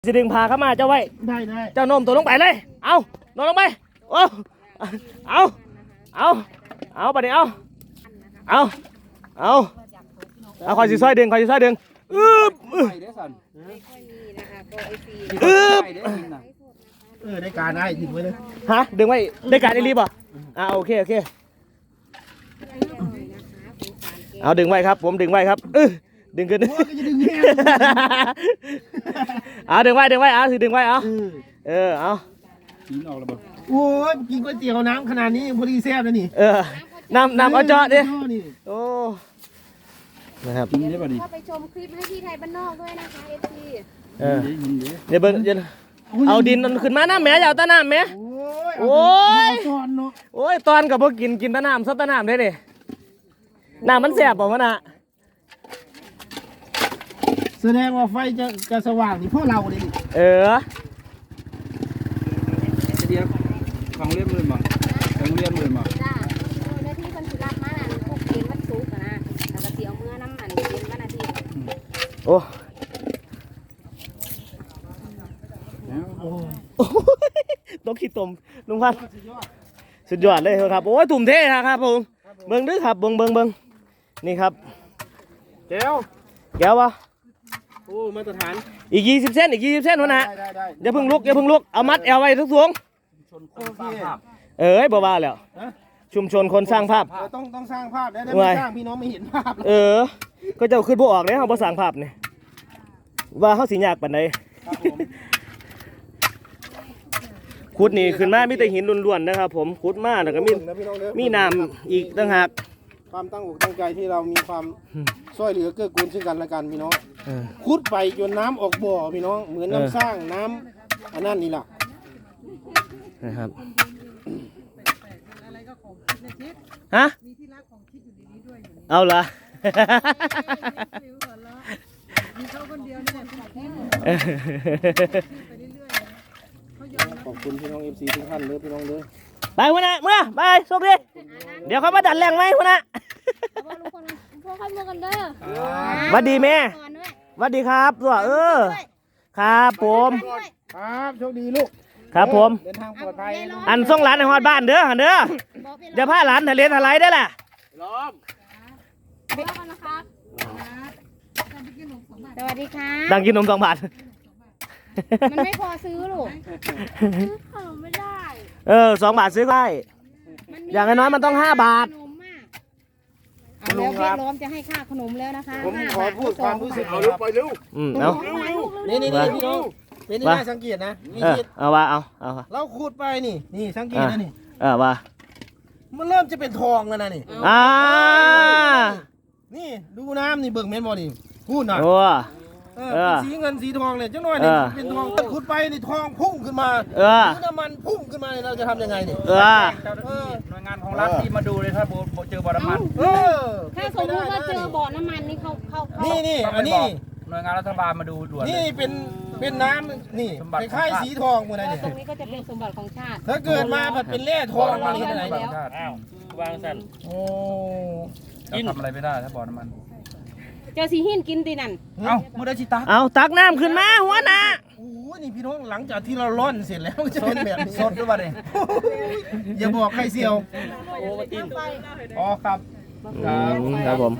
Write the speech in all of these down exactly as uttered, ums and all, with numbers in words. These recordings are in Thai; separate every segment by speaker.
Speaker 1: สิดึงพาเข้ามาเจ้าไว้
Speaker 2: ได้ได้
Speaker 1: เจ้าโน้มตัวลงไปเลยเอาโน้มลงไปโอ้เอาเอาเอาไปดิเอาเอาเอาเอาคอยสิซอยดึงคอยสิซอยดึงอึ๊บอึ๊บอึ๊บ
Speaker 2: เออได้การได้ดึงไว้เลย
Speaker 1: ฮะดึงไว้ได้การได้รีบป่ะอ่าโอเคโอเคเอาดึงไว้ครับผมดึงไว้ครับเออดึงขึ้นเอาดึงไว้ดึงไว้เอาสิดึงไว้เอาเออเอา
Speaker 2: กินออกแล้วบ่โอ้ยกินก๋วยเตี๋ยวน้ำขนาดนี้พอดีแซ่บแล้วนี่
Speaker 1: เออน้ำน้ำเอาเจาะดิโอ้นะครับ
Speaker 3: เข้าไปชมคลิปให้พี่ไทยบ้านนอกด้วยนะคะเอฟซี
Speaker 1: เออเดี๋ยวเบิ้งเดี๋ยวเอาดินขึ้นมาน้ำแม่อย่าเอาตะน้ำแม่โอ้ยโอ้ยตอนกับพวกกินกินตะน้ำซับตะน้ำได้ดิน้ำมันแสบป่ะวะน่ะ
Speaker 2: แสดงว่าไฟจะจะสว่างนี่พวกเราเลย
Speaker 1: เออ
Speaker 4: เดียวของเลี้ยงมือมาของเลี้ยงมือมา
Speaker 3: จ้าในที่คนสุรับมาพวกเกณฑ์วัดซุกนะแล้วก็เสียวเมื่อน้ำมันเกณฑ์วันอาทิตย์
Speaker 1: โอ้ต้องขี้ตมลุงพันสุดยอดเลยครับโอ้ยตุ่มเท่ครับผมเบิ้งดื้อครับเบิ้งเบิ้งเบิ้งนี่ครับ
Speaker 2: แก้ว
Speaker 1: แก้ววะ
Speaker 2: โอ้มาตรฐาน
Speaker 1: อีกยี่สิบเส้นอีกยี่สิบเส้นวะนะอย่าเพิ่งลุกอย่าเพิ่งลุกเอามัดแอวไว้ทุกทวงเอ้ยบ้าๆแล้วชุมชนคนสร้างภาพ
Speaker 2: ต้องต้องสร้างภาพได้ไม่สร้างพี่น้องไม่เห็นภาพ
Speaker 1: เออก็จะขึ้นพวกออกเลยเขาบ่สร้างภาพเนี่ยว่าเขาสิยากปานใดขุดนี่ขึ้นมามีแต่หินล้วนๆนะครับผมขุดมาแล้วก็มีมีน้ำอีกต่างหาก
Speaker 2: ความตั้งอกตั้งใจที่เรามีความช่วยเหลือเกื้อกูลซึ่งกันและกันพี่น้องขุดไปจนน้ำออกบ่อพี่น้องเหมือนน้ำสร้างน้ำอันนั้นนี่แหละ
Speaker 1: นะครับฮะเอาละ
Speaker 2: ขอบคุณพี่น้องเอฟซีทุกท่านเลยพี่น้องเลย
Speaker 1: ไปหัวหน้าเมื่อไปสุกดิเดี๋ยวเขามาดัดแรงไหมหัวหน้า
Speaker 3: พวกเขาเมื่อกันเด้อ
Speaker 1: วัดดีแม่วัดดีครับตัวเออครับผม
Speaker 2: ครับโชคดีลูก
Speaker 1: ครับผม
Speaker 2: เดินทางปลอดภัย
Speaker 1: อันส่งหลานในฮอดบ้านเด้อเด้อเดี๋ยวพาหลานทะเลทลายได้แหละ
Speaker 3: ล้อมเดี๋ยวกันนะครับสวัสดีค่ะ
Speaker 1: ดังกินนมสองบาท
Speaker 3: มันไม่พอซื้อลูกซื้อขนมไม่ได้
Speaker 1: เออสองบาทซื้อได้อย่างน้อยมันต้องห้าบาท
Speaker 3: เอาแล้วพี่ล้อมจะให้ค่าขนมแล้วนะคะ
Speaker 2: ผมขอพูดความรู้สึก
Speaker 4: เอาเร็วไปเร็ว
Speaker 1: อืมเอา
Speaker 2: นี่นี่นี่พี่น้องเป็นที่น่าสังเกตนะ
Speaker 1: เออเอาว่าเอาเอา
Speaker 2: เราขูดไปนี่นี่สังเกตนะนี่
Speaker 1: เออว่า
Speaker 2: มันเริ่มจะเป็นทองแล้วนะนี่
Speaker 1: อ่า
Speaker 2: นี่ดูน้ำนี่เบิ่งแม่นบ่นี่พูดหน่อย
Speaker 1: โอ้
Speaker 2: เออสีเงินสีทองเลยจังหน่อยนี่เป็นทองขุดไปนี่ทองพุ่งขึ้นมา
Speaker 1: เออ
Speaker 2: น้ำมันพุ่งขึ้นมาเราจะทำยังไงนี่
Speaker 1: เออ
Speaker 4: หน่วยงานของรัฐที่มาดูเลยถ้าเจอบ่อน้ำมัน
Speaker 2: เออ
Speaker 3: ถ้าสมมติว่าเจอบ่อน้ำมันนี่เขาเขา
Speaker 2: นี่นี่อันนี้
Speaker 4: หน่วยงานรัฐบาลมาดูด่วน
Speaker 2: นี่เป็นเป็นน้ำนี่คล้ายสีทองหมดเลย
Speaker 3: ตรงนี้ก็จะเป็นสมบัติของชาติ
Speaker 2: ถ้าเกิดมาแบบเป็นแร่ทองอะไร
Speaker 3: ที่ไหน
Speaker 4: แล้วอ้าววางสั่น
Speaker 2: โอ้
Speaker 4: ทำอะไรไม่ได้ถ้าบ่อน้ำมัน
Speaker 3: เจ้าสีหินกินตีนั่น
Speaker 4: เอ้ามือได้ชิตา
Speaker 1: เอาตักน้ำขึ้นมาหัวหน้า
Speaker 2: โอ้นี่พี่น้องหลังจากที่เราร่อนเสร็จแล้วจะเป็นแบบนี้
Speaker 4: สดด้วยป่ะเนี่ย
Speaker 2: อย่าบอกใครเซียว
Speaker 4: โอ้ตินอ๋อครับ
Speaker 1: ครับผม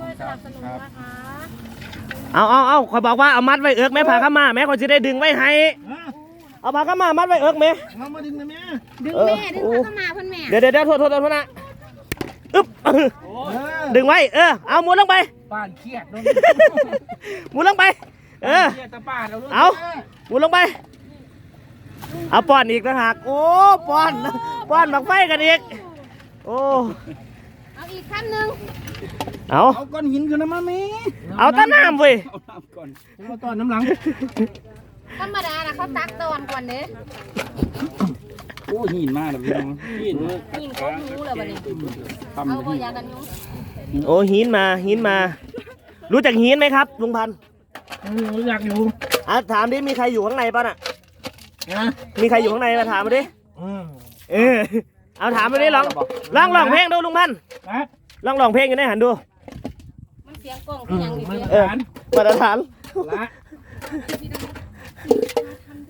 Speaker 1: เอาเอาเอาคอยบอกว่าเอามัดไว้เอิกแม่ผ่าข้ามาแม่คนจะได้ดึงไว้ให้เอาผ่าข้ามามัดไว้เอิกแม่
Speaker 2: เอามาดึงนะแม่
Speaker 3: ดึงแม่ดึงผ่าข้ามาเพื่อนแม่
Speaker 1: เดี๋ยวเดี๋ยวโทษโทษโทษนะอึ๊บดึงไว้เออเอาหมุนลงไป
Speaker 4: ป้านเครียด
Speaker 1: หมุนลงไปเออเอาหมุนลงไปเอาป้อนอีกนะฮะโอ้ป้อนป้อนหมักไฟกันอีกโอ้
Speaker 3: เอาอีกขั้นหนึ่ง
Speaker 1: เอา
Speaker 2: เอาก้อนหินขึ้นมาไหม
Speaker 1: เอาต้นน้ำเว้ย
Speaker 4: เอาน้ำก่อน
Speaker 2: เอาต้นน้ำหลัง
Speaker 3: ธรรมดานะเขาตักตอนก่อนเนี้ย
Speaker 4: โอ้หินมากเลยพี่น้องหิน
Speaker 3: หินก้อนนู้เลยวันนี้เอาบ่ยากันยุง
Speaker 1: โอ้หินมาหินมารู้จักหินไหมครับลุงพันธุ์
Speaker 2: รู้จักอยู่
Speaker 1: อ่ะถามดิมีใครอยู่ข้างในป่ะน่ะมีใครอยู่ข้างในมาถามมาดิเออเอาถามมาดิลองลองลองเพลงดูลุงพันธุ์ลองลองเพลงกันได้หันดู
Speaker 3: มันเสียงกล้องที่ยังอยู่
Speaker 1: เออมาตรฐาน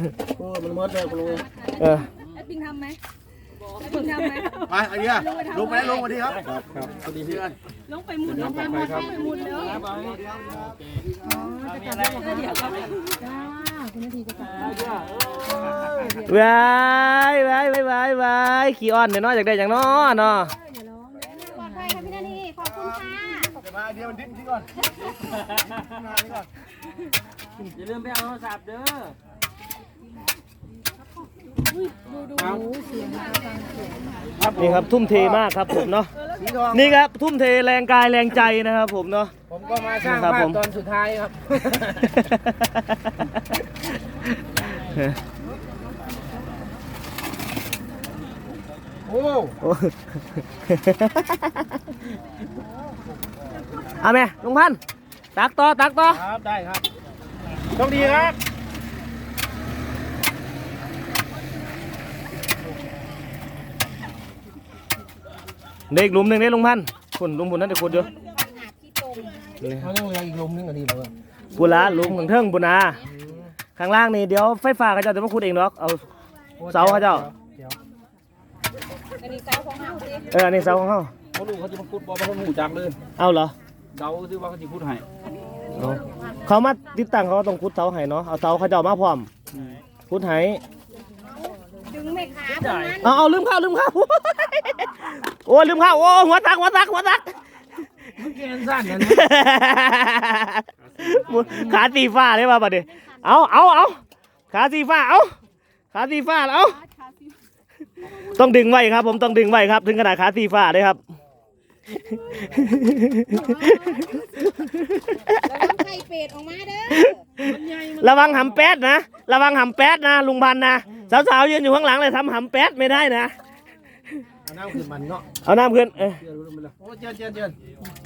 Speaker 2: โอ้มันหมดเลยคุณลุง
Speaker 1: เออ
Speaker 3: ไอ้ปิงทำไหมไอ้ปิงทำไหม
Speaker 2: ไปไอ้เดียลงไปลงมาดีครับครับครับสวัสดีพี่กัน
Speaker 3: ลงไปหมุนลงไปหมุนลงไปหมุนเด้อจ้าคุณนาทีจะกลับ
Speaker 1: วายวายวายวายวายขี้อ้อนเดี๋ยวน้อยอยากได้อย่างน้อเนาะ
Speaker 3: ปลอดภัยค่ะพี่นาทีขอบคุณค่ะ
Speaker 2: เดี๋ยวมาไอเดียมันดิ้นที่ก่อน
Speaker 4: อย่าลืมไปเอาโทรศัพท์เด้อ
Speaker 1: นี่ครับทุ่มเทมากครับผมเนาะ
Speaker 2: สีทอง
Speaker 1: นี่ครับทุ่มเทแรงกายแรงใจนะครับผมเนาะ
Speaker 2: ผมก็มาสร้าง
Speaker 1: ครับ
Speaker 2: ภา
Speaker 1: ผ
Speaker 2: พ
Speaker 1: ม
Speaker 2: ตอนสุดท้ายครับ โอ้
Speaker 1: โอ้ เอาแม่ลุงพันธุ์ตักต่อตักต่อ
Speaker 2: ครับได้ครับโชคดีครับ
Speaker 1: เด็กหลุมหนึ่งเด็กลุงพันธุ์คุณลุงบุญนั่นเด็กคุณอยู่นี่
Speaker 2: เขาต้องเรียงอีกลมนึงอันนี้เพื่อน
Speaker 1: บุญละลุงของเทิงบุญนาข้างล่างนี่เดี๋ยวไฟฟ้าเขาเจ้าจะมาขุดเองหรอกเอาเสาเขาเจ้า
Speaker 3: อันนี้เสาของเฮาสิ
Speaker 1: เอออันนี้เสาของเขา
Speaker 4: เขาดูเขาจะมาพูดบอกว่าเขาหูจักเลย
Speaker 1: เอาเหรอ
Speaker 4: เดาซิว่าเขาจะพูดให้
Speaker 1: เอาเขามาติดตั้งเขาก็ต้องขุดเสาให้เนาะเอาเสาเขาเจ้ามาพร้อมขุดให้
Speaker 3: ดึงไม่ขาตรงนั้น
Speaker 1: เอาเอาลืมข้าวลืมข้าว โอ้ยลืมข้าวโอ้หัวตักหัวตักหัวตัก
Speaker 2: เกณฑ์สั้นนะ
Speaker 1: ขาสีฟ้าเลยว่าบัดนี้เอาเอาเอาขาสีฟ้าเอาขาสีฟ้าเอาต้องดึงไว้ครับ ผมต้องดึงไว้ครับ ถึงขนาดขาสีฟ้าเลยครับ
Speaker 3: แล้วน้ำไข่เป็ดออกมาเด้อ
Speaker 1: ระวังหำแป๊ดนะระวังหำแป๊ดนะลุงพันธุ์นะสาวๆยืนอยู่ข้างหลังเลยทำหำแป๊ดไม่ได้นะ
Speaker 2: เอาน้ำขึ้นมันเนาะ
Speaker 1: เอาน้ำขึ้นเออ
Speaker 2: โอ้เจินเจินเจิน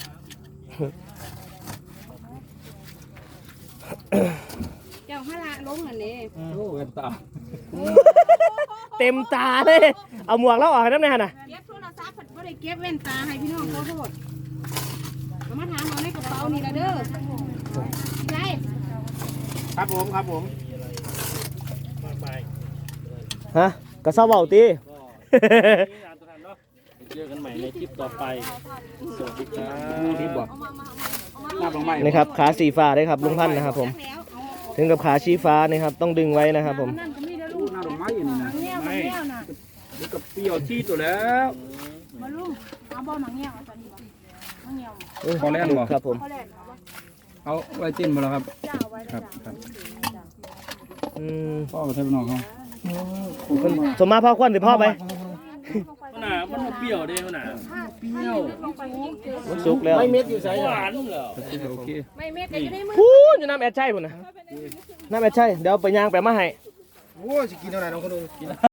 Speaker 3: เจ้าฮาละลงอันนี้
Speaker 4: โอ้เว็บตา
Speaker 1: เต็มตาเลย เอาหมวกแล้วออกให้น้ำในหันน่ะ
Speaker 3: เก็บโทรศัพท์บ่ได้เก็บแว่นตาให้พี่น้องขอโทษเอามาถามเอาในกระเป๋านี่ละเด้อใช่
Speaker 2: ครับผมครับผม
Speaker 1: ฮะกระเซ้าเบาตี
Speaker 4: เจอกันใหม่ในคลิปต่อไปสวัสดีครับรีบบอกหน้าบังไม้
Speaker 1: นี่ครับขาสีฟ้าได้ครับลุงพันธุ์นะครับผม
Speaker 3: แล้วเอา
Speaker 1: ถึงกับขาชี้ฟ้านี่ครับต้องดึงไว้นะครับผม
Speaker 3: นั่นก็มีเด้อ
Speaker 4: ดู
Speaker 3: ลูก
Speaker 4: หน้าบังไม้อย่างนี้นะ
Speaker 3: เงี้ยวมาเงี้ยวน่ะ
Speaker 4: เดี๋ยวกับเปรี้ยวที่ตัวแล้ว
Speaker 3: มาลุงเอาบ่หนังเงี้ยวเอาตอนนี้บ่หนังเงี้ยว
Speaker 4: พอแล้วบ่
Speaker 1: ครับผม
Speaker 3: เขาแลกเอาบ่
Speaker 4: เอาไว้จิ้นมาแล้วครับ
Speaker 3: เจ้าเอาไว้
Speaker 4: ครับ
Speaker 3: จ้ะ
Speaker 4: ครับ
Speaker 1: อืม
Speaker 4: พ่อไปเทปน้องเขา
Speaker 1: มันสมมาพ่อควันหรือพ่อไป
Speaker 5: หนามันเปรี้ยวเด้หนา
Speaker 3: เปรี้ยวลงไปยิ่งเจอ
Speaker 1: มันสุกแล้ว
Speaker 2: ไม่เม็ดอยู่ใส่
Speaker 5: หวานเหรอ
Speaker 4: โอเค
Speaker 3: ไม่เม็ดก็อยู่ในมือ
Speaker 1: พูนอยู่น้ำแอดใช่พุ่นนะน้ำแอดใช่เดี๋ยวไปย่างไปมาให้
Speaker 2: โอ้จะกินเท่าไหร่น้องคนดู